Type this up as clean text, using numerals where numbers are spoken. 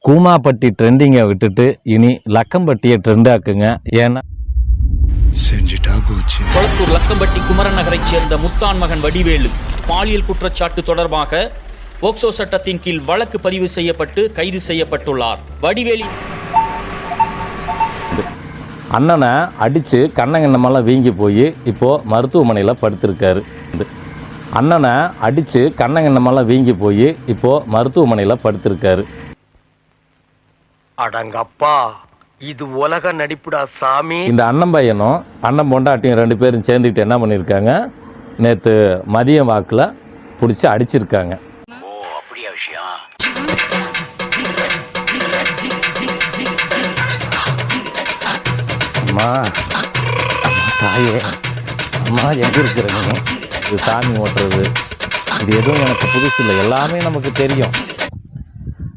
கூமாப்பட்டி ட்ரெண்டிங்கை விட்டுட்டு இனி லக்கம்பட்டியை ட்ரெண்ட் ஆக்குங்க. ஏன்னா கொளத்தூர் லக்கம்பட்டி குமரன் நகரைச் சேர்ந்த முத்தான் மகன் வடிவேலு பாலியல் குற்றச்சாட்டு தொடர்பாக போக்சோ சட்டத்தின் கீழ் வழக்கு பதிவு செய்யப்பட்டு கைது செய்யப்பட்டுள்ளார். வடிவேலு அண்ணனை அடித்து கண்ணங்கண்ணமெல்லாம் வீங்கி போய் இப்போது மருத்துவமனையில் படுத்திருக்காரு. அண்ணனை அடித்து கண்ணங்கண்ணமெல்லாம் வீங்கி போய் இப்போது மருத்துவமனையில் படுத்திருக்காரு. அடங்கப்பா, இது உலக நடிப்புடா சாமி. இந்த அண்ணன் பையனும் அண்ணன் பொண்டாட்டியும் 2 பேரும் சேர்ந்துக்கிட்டு என்ன பண்ணியிருக்காங்க, நேற்று மதியம் வாக்கில் பிடிச்சி அடிச்சிருக்காங்க. ஓ, அப்படியா விஷயம்? அம்மா தாயே, அம்மா எங்கே இருக்கிற நீ? இது சாமி ஓட்டுறது இது எதுவும் எனக்கு புதுசு இல்லை, எல்லாமே நமக்கு தெரியும்.